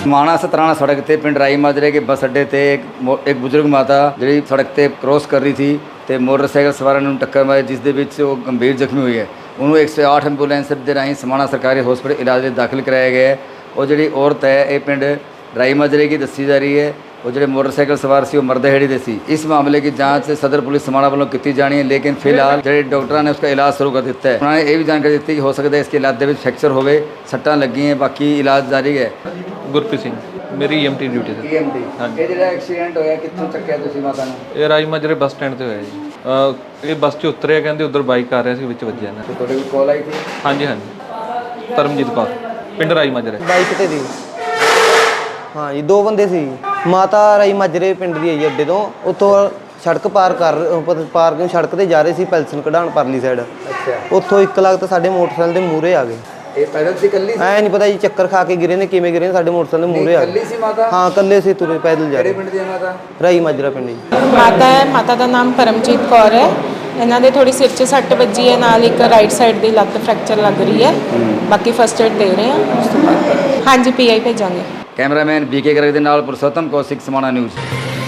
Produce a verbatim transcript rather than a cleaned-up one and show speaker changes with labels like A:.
A: समाणा सतराना सड़क ते पिंड राई माजरे के बस अड्डे ते एक मो- एक बुजुर्ग माता जी सड़क ते क्रॉस कर रही थी ਤੇ ਮੋਟਰਸਾਈਕਲ ਸਵਾਰਾਂ ਨੂੰ ਟੱਕਰ ਮਾਰੀ ਜਿਸ ਦੇ ਵਿੱਚ ਉਹ ਗੰਭੀਰ ਜ਼ਖਮੀ ਹੋਈ ਹੈ। ਉਹਨੂੰ ਇੱਕ ਸੌ ਅੱਠ ਐਂਬੂਲੈਂਸ ਦੇ ਰਾਹੀਂ ਸਮਾਣਾ ਸਰਕਾਰੀ ਹਸਪਤਾਲ ਇਲਾਜ ਲਈ ਦਾਖਲ ਕਰਾਇਆ ਗਿਆ ਹੈ। ਉਹ ਜਿਹੜੀ ਔਰਤ ਹੈ ਇਹ ਪਿੰਡ ਰਾਈ ਮਾਜਰੇ ਦੀ ਦੱਸੀ ਜਾ ਰਹੀ ਹੈ। ਉਹ ਜਿਹੜੇ ਮੋਟਰਸਾਈਕਲ ਸਵਾਰ ਸੀ ਉਹ ਮਰਦਹੇੜੀ ਦੇ ਸੀ। ਇਸ ਮਾਮਲੇ की जांच सदर पुलिस समाणा ਵੱਲੋਂ ਕੀਤੀ ਜਾਣੀ ਹੈ, लेकिन फिलहाल ਜਿਹੜੇ ਡਾਕਟਰਾਂ ਨੇ ਉਸका इलाज शुरू कर ਦਿੱਤਾ ਹੈ। ਉਹਨਾਂ ਨੇ ਇਹ ਵੀ ਜਾਣਕਾਰੀ ਦਿੱਤੀ ਕਿ ਹੋ ਸਕਦਾ ਹੈ ਇਸके ਲੱਤ ਦੇ ਵਿੱਚ ਫ੍ਰੈਕਚਰ ਹੋਵੇ, ਸੱਟਾਂ ਲੱਗੀਆਂ, ਬਾਕੀ ਇਲਾਜ ਜਾਰੀ ਹੈ।
B: ਗੁਰਪ੍ਰੀਤ ਸਿੰਘ ਮੇਰੀ ਈਐਮਟੀ ਡਿਊਟੀ ਤੇ।
A: ਈਐਮਟੀ ਇਹ ਜਿਹੜਾ ਐਕਸੀਡੈਂਟ ਹੋਇਆ ਕਿੱਥੋਂ ਚੱਕਿਆ ਤੁਸੀਂ ਮਾਤਾ ਨੂੰ?
B: ਇਹ ਰਾਈ ਮਾਜਰੇ ਬੱਸ ਸਟੈਂਡ ਤੇ ਹੋਇਆ ਜੀ। ਅਹ ਇਹ ਬੱਸ 'ਚ ਉਤਰਿਆ, ਕਹਿੰਦੇ ਉਧਰ ਬਾਈਕ ਆ ਰਿਹਾ ਸੀ, ਵਿੱਚ ਵੱਜਿਆ ਨਾ।
A: ਤੁਹਾਡੇ ਕੋਲ ਕਾਲ ਆਈ ਸੀ?
B: ਹਾਂਜੀ ਹਾਂਜੀ, ਧਰਮਜੀਤ ਕੌਰ, ਪਿੰਡ ਰਾਈ ਮਾਜਰੇ।
C: ਬਾਈਕ ਤੇ ਦੀ ਹਾਂ ਜੀ, ਦੋ ਬੰਦੇ ਸੀ। ਮਾਤਾ ਰਾਈ ਮਾਜਰੇ ਪਿੰਡ ਦੀ ਹੈ ਜੀ, ਅੱਡੇ ਤੋਂ ਉੱਥੋਂ ਸੜਕ ਪਾਰ ਕਰ ਪਾਰਕਿੰਗ ਸੜਕ ਤੇ ਜਾ ਰਹੇ ਸੀ ਪੈਲਸਨ ਕਢਾਉਣ ਪਰਲੀ ਸਾਈਡ।
A: ਅੱਛਾ,
C: ਉੱਥੋਂ ਇੱਕ ਲੱਖ ਤਾਂ ਸਾਡੇ ਮੋਟਰਸਾਈਕਲ ਦੇ ਮੂਹਰੇ ਆ ਗਏ।
A: ਇਹ ਪੈਦਲ ਸੀ ਕੱਲੀ ਸੀ?
C: ਐ ਨਹੀਂ ਪਤਾ ਜੀ ਚੱਕਰ ਖਾ ਕੇ ਗਿਰੇ ਨੇ, ਕਿਵੇਂ ਗਿਰੇ ਨੇ, ਸਾਡੇ ਮੋਟਰਸਾਈਕਲ ਦੇ ਮੂਹਰੇ ਆ
A: ਕੱਲੀ
C: ਗਏ।
A: ਸੀ ਮਾਤਾ?
C: ਹਾਂ ਕੱਲੇ ਸੀ, ਤੁਰੇ ਪੈਦਲ ਜਾ
A: ਕਿਹੜੇ
C: ਰਹੇ।
A: ਪਿੰਡ ਦੀ ਹੈ ਮਾਤਾ?
C: ਰਾਈ ਮਾਜਰਾ ਪਿੰਡ ਜੀ।
D: ਮਾਤਾ ਹੈ, ਮਾਤਾ ਦਾ ਨਾਮ ਪਰਮਜੀਤ ਕੌਰ ਹੈ। ਇਹਨਾਂ ਦੇ ਥੋੜੀ ਸਿਰ 'ਚ ਸੱਟ ਵੱਜੀ ਹੈ, ਨਾਲ ਇੱਕ ਰਾਈਟ ਸਾਈਡ ਦੀ ਲੱਤ ਫ੍ਰੈਕਚਰ ਲੱਗ ਰਹੀ ਹੈ। ਬਾਕੀ ਫਸਟ ਏਡ ਦੇ ਰਹੇ ਹਾਂ ਉਸ ਤੋਂ ਬਾਅਦ ਹਾਂਜੀ ਪੀਆਈ ਭੇਜਾਂਗੇ।
A: ਕੈਮਰਾਮੈਨ ਬੀਕੇ ਗਰਗ ਦੇ ਨਾਲ ਪੁਰਸ਼ੋਤਮ ਕੌਸ਼ਿਕ, ਸਮਾਣਾ ਨਿਊਜ਼।